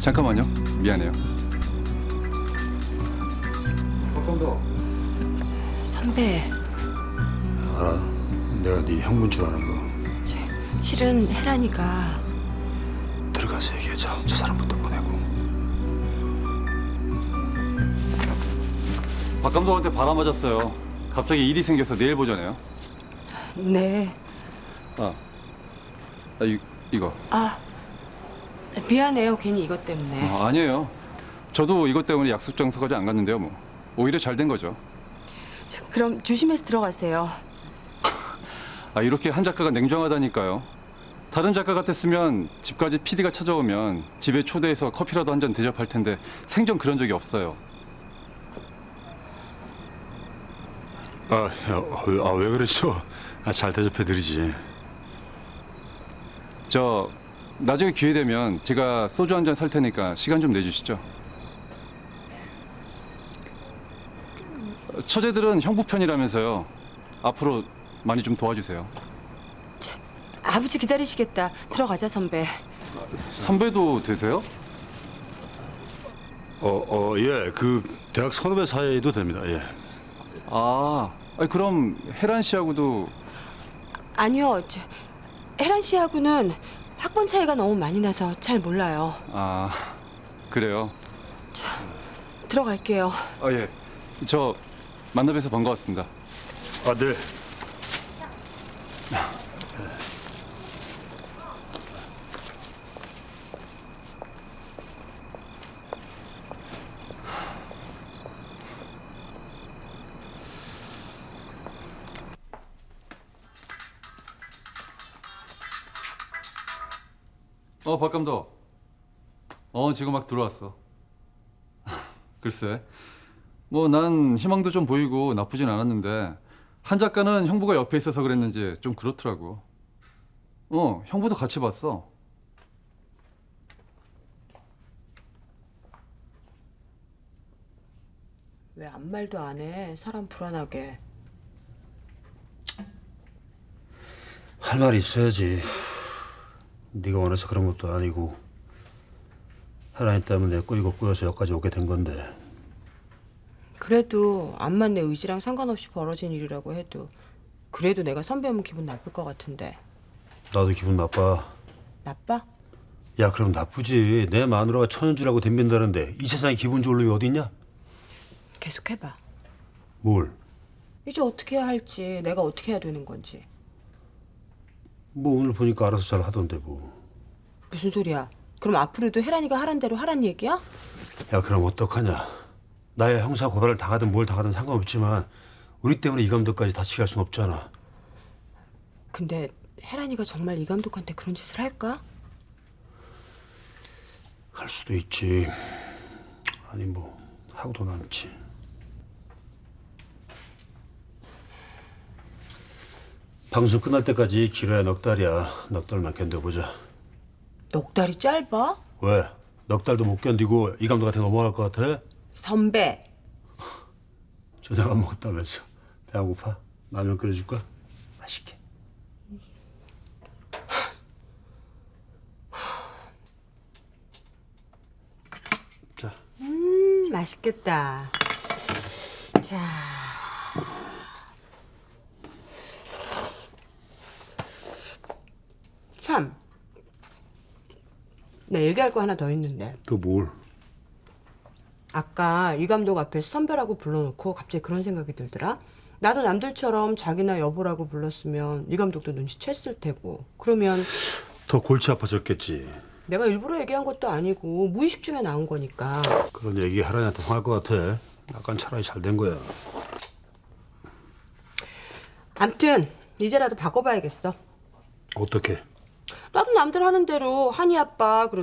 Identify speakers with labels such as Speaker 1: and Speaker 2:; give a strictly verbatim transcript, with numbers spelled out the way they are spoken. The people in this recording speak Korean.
Speaker 1: 잠깐만요. 미안해요. 박감독.
Speaker 2: 선배,
Speaker 3: 알아. 내가 네 형분 줄 아는 거.
Speaker 2: 저, 실은 혜란이가
Speaker 3: 들어가서 얘기하자. 저 사람부터 보내고.
Speaker 1: 박감독한테 바람 맞았어요. 갑자기 일이 생겨서 내일 보자네요.
Speaker 2: 네.
Speaker 1: 아, 아 이, 이거.
Speaker 2: 아, 미안해요. 괜히 이것 때문에.
Speaker 1: 아, 아니에요. 저도 이것 때문에 약속 장소까지 안 갔는데요. 뭐 오히려 잘 된 거죠.
Speaker 2: 저, 그럼 조심해서 들어가세요.
Speaker 1: 아, 이렇게 한 작가가 냉정하다니까요. 다른 작가 같았으면 집까지 피디가 찾아오면 집에 초대해서 커피라도 한 잔 대접할 텐데 생전 그런 적이 없어요.
Speaker 3: 아, 야, 아, 왜 그랬어? 아, 잘 대접해드리지.
Speaker 1: 저 나중에 기회 되면 제가 소주 한 잔 살 테니까 시간 좀 내주시죠. 처제들은 형부 편이라면서요. 앞으로 많이 좀 도와주세요.
Speaker 2: 아버지 기다리시겠다. 들어가자, 선배.
Speaker 1: 선배도 되세요?
Speaker 3: 어, 어, 예. 그 대학 선후배 사이도 됩니다. 예.
Speaker 1: 아, 아니, 그럼 혜란 씨하고도.
Speaker 2: 아니요. 저, 혜란 씨하고는 학번 차이가 너무 많이 나서 잘 몰라요.
Speaker 1: 아, 그래요?
Speaker 2: 들어갈게요.
Speaker 1: 아, 예. 저 만나 뵈서 반가웠습니다.
Speaker 3: 아, 네.
Speaker 1: 어, 박 감독. 어, 지금 막 들어왔어. 글쎄. 뭐 난 희망도 좀 보이고 나쁘진 않았는데 한 작가는 형부가 옆에 있어서 그랬는지 좀 그렇더라고. 어, 형부도 같이 봤어.
Speaker 2: 왜 아무 말도 안 해? 사람 불안하게.
Speaker 3: 할 말이 있어야지. 네가 원해서 그런 것도 아니고 혜란이 때문에 꼬이고 꼬여서 여기까지 오게 된 건데.
Speaker 2: 그래도 암만 내 의지랑 상관없이 벌어진 일이라고 해도 그래도 내가 선배면 기분 나쁠 것 같은데.
Speaker 3: 나도 기분 나빠.
Speaker 2: 나빠?
Speaker 3: 야, 그럼 나쁘지. 내 마누라가 천연주라고 덤빈다는데 이 세상에 기분 좋을 놈이 어디 있냐?
Speaker 2: 계속 해봐.
Speaker 3: 뭘?
Speaker 2: 이제 어떻게 해야 할지, 내가 어떻게 해야 되는 건지.
Speaker 3: 뭐 오늘 보니까 알아서 잘 하던데 뭐.
Speaker 2: 무슨 소리야? 그럼 앞으로도 혜란이가 하란 대로 하란 얘기야?
Speaker 3: 야, 그럼 어떡하냐. 나의 형사 고발을 당하든 뭘 당하든 상관없지만 우리 때문에 이 감독까지 다치게 할 순 없잖아.
Speaker 2: 근데 혜란이가 정말 이 감독한테 그런 짓을 할까?
Speaker 3: 할 수도 있지. 아니 뭐 하고도 남지. 방송 끝날 때까지 길어야 넉 달이야. 넉 달만 견뎌보자.
Speaker 2: 넉 달이 짧아?
Speaker 3: 왜? 넉 달도 못 견디고 이 감독한테 넘어갈 것 같아?
Speaker 2: 선배.
Speaker 3: 저녁 안 먹었다면서. 배 안 고파? 라면 끓여줄까? 맛있게. 자.
Speaker 2: 음, 맛있겠다. 자. 참. 나 얘기할 거 하나 더 있는데.
Speaker 3: 또 뭘?
Speaker 2: 아까 이 감독 앞에서 선배라고 불러놓고 갑자기 그런 생각이 들더라. 나도 남들처럼 자기나 여보라고 불렀으면 이 감독도 눈치챘을 테고. 그러면
Speaker 3: 더 골치 아파졌겠지.
Speaker 2: 내가 일부러 얘기한 것도 아니고 무의식 중에 나온 거니까.
Speaker 3: 그런 얘기 하라니한테 통할 것 같아. 약간 차라리 잘 된 거야.
Speaker 2: 암튼 이제라도 바꿔봐야겠어.
Speaker 3: 어떻게?
Speaker 2: 나도 남들 하는 대로 한이 아빠 그리고